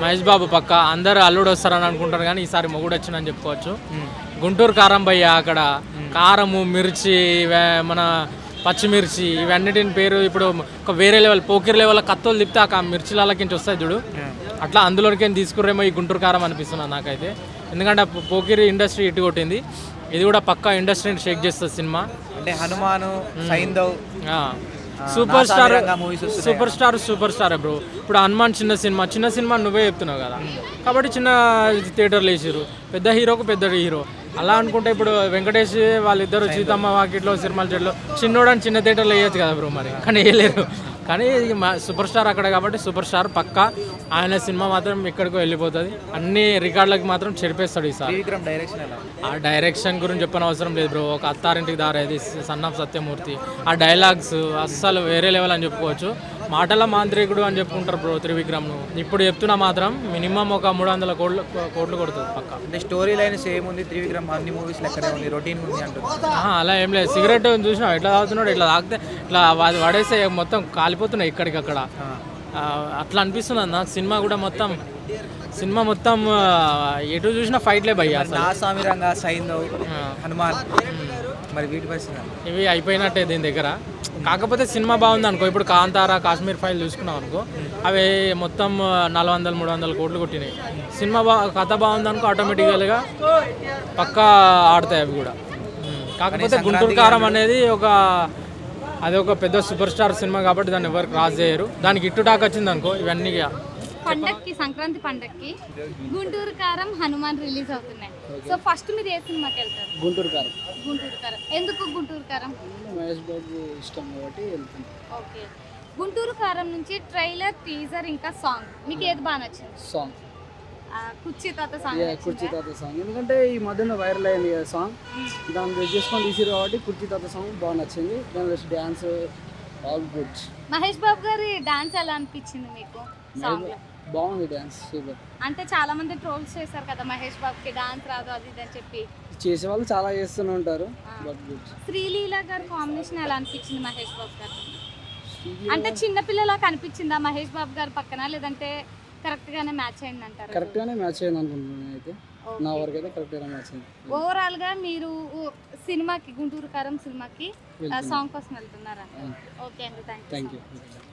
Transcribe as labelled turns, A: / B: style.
A: మహేష్ బాబు పక్క అందరు అల్లుడు వస్తారని అనుకుంటారు కానీ ఈసారి మొగుడు వచ్చిందని చెప్పుకోవచ్చు. గుంటూరు కారం భయ్య అక్కడ కారము మిర్చి మన పచ్చిమిర్చి ఇవన్నిటిని పేరు ఇప్పుడు ఒక వేరే లెవెల్ పోకిరి లెవెల్ కత్తులు తిప్పితే ఆ మిర్చిలకి వస్తాయి చూడు, అట్లా అందులోకి తీసుకురేమో ఈ గుంటూరు కారం అనిపిస్తున్నది నాకైతే. ఎందుకంటే పోకిరి ఇండస్ట్రీ ఇటు కొట్టింది, ఇది కూడా పక్కా ఇండస్ట్రీని షేక్ చేస్తుంది సినిమా.
B: అంటే Hanuman, Saindhav,
A: super star bro. ఇప్పుడు హనుమాన్ చిన్న సినిమా నువ్వే చెప్తున్నావు కదా, కాబట్టి చిన్న థియేటర్లు వేసారు. పెద్ద హీరోకు పెద్ద హీరో అలా అనుకుంటే ఇప్పుడు వెంకటేష్ వాళ్ళిద్దరు సీతమ్మ వాకిట్లో సినిమాల చెట్లు చిన్నోడని చిన్న థియేటర్లో వేయచ్చు కదా బ్రో, మరి కానీ వేయలేరు. కానీ సూపర్ స్టార్ అక్కడ కాబట్టి సూపర్ స్టార్ పక్కా ఆయన సినిమా మాత్రం ఎక్కడికో వెళ్ళిపోతుంది, అన్ని రికార్డులకు మాత్రం చెరిపేస్తాడు ఈసారి. ఆ డైరెక్షన్ గురించి చెప్పని అవసరం లేదు బ్రో. ఒక అత్తారింటికి దారేది సన్ ఆఫ్ సత్యమూర్తి, ఆ డైలాగ్స్ అస్సలు వేరే లెవెల్ అని చెప్పుకోవచ్చు. మాటల మాంత్రికుడు అని చెప్పుకుంటారు బ్రో త్రివిక్రమ్ను. ఇప్పుడు చెప్తున్నా మాత్రం మినిమం ఒక 300 కోట్లు కొడుతుంది పక్క.
B: అంటే స్టోరీ లైన్ సేమ్ ఉంది, త్రివిక్రమ్ అన్ని మూవీస్ లెక్కనే ఉంది, రొటీన్ ఉంది అంటుంది.
A: అలా ఏం లేదు. సిగరెట్ చూసినా ఎట్లా తాగుతున్నాడు, ఇట్లా తాగితే ఇట్లా వాడేస్తే మొత్తం కాలిపోతున్నాయి ఇక్కడికక్కడ, అట్లా అనిపిస్తుంది నాకు. సినిమా మొత్తం ఎటు చూసినా ఫైట్లే భయ్య.
B: సామిరంగా సైంధవ్, హనుమాన్, మరి వీటి పరిస్థితి
A: ఇవి అయిపోయినట్టే దీని దగ్గర. కాకపోతే సినిమా బాగుంది అనుకో, ఇప్పుడు కాంతారా, కాశ్మీర్ ఫైల్ చూసుకున్నాం అనుకో, అవి మొత్తం 400-300 కోట్లు కొట్టినాయి. సినిమా కథ బాగుంది అనుకో, ఆటోమేటిక్గా పక్కా ఆడతాయి అవి కూడా. కాకపోతే గుంటూరు కారం అనేది అది ఒక పెద్ద సూపర్ స్టార్ సినిమా కాబట్టి దాన్ని ఎవరు క్రాస్ చేయరు. దానికి ఇట్టుటాక్ వచ్చింది అనుకో, ఇవన్నీ
C: పండక్కి సంక్రాంతి పండక్కి గుంటూరు కారం, హనుమాన్ రిలీజ్ అవుతున్నాయి. సో ఫస్ట్ మీరు ఏ సినిమాకి వెళ్తారు?
D: గుంటూరు కారం.
C: ఎందుకు గుంటూరు కారం?
D: మహేష్ బాబు ఇష్టం కాబట్టి వెళ్తుంది.
C: ఓకే. గుంటూరు కారం నుంచి ట్రైలర్, టీజర్ ఇంకా సాంగ్ మీకు ఏది బాగా నచ్చింది?
D: సాంగ్
C: కుర్చీ తాత సాంగ్.
D: ఎందుకంటే ఈ మధ్యన వైరల్ అయింది కదా సాంగ్, దాన్ని బేస్ చేసుకొని తీసిరు కాబట్టి కుర్చీ తాత సాంగ్ బాగా నచ్చింది. దాని dance all good.
C: Mahesh Babu గారి డాన్స్ ఎలా అనిపించింది మీకు? సాంగ్
D: బాగుంది, డాన్స్ సూపర్.
C: అంటే చాలా మంది ట్రోల్స్ చేశారు కదా మహేష్ బాబుకి డాన్స్ రాదు అది ఇది అని చెప్పి.
D: చేసే వాళ్ళు చాలా చేస్తూనే ఉంటారు, బట్ గుడ్.
C: శ్రీలీల గారి కాంబినేషన్ ఎలా అనిపించింది మహేష్ బాబు గారు? అంటే చిన్న పిల్లలా కనిపించిందా మహేష్ బాబు గారు పక్కన, లేదంటే కరెక్ట్ గానే మ్యాచ్ అయింది అంటారు?
D: కరెక్ట్ గానే మ్యాచ్ అయింది అనుకుంటున్నాను అయితే, నా వరకు అయితే కరెక్ట్ గానే మ్యాచ్ అయింది.
C: ఓవరాల్ గా మీరు సినిమాకి, గుంటూరు కారం సినిమాకి సాంగ్ కోసం వెళ్తున్నారా? ఓకే అండి, థ్యాంక్ యూ.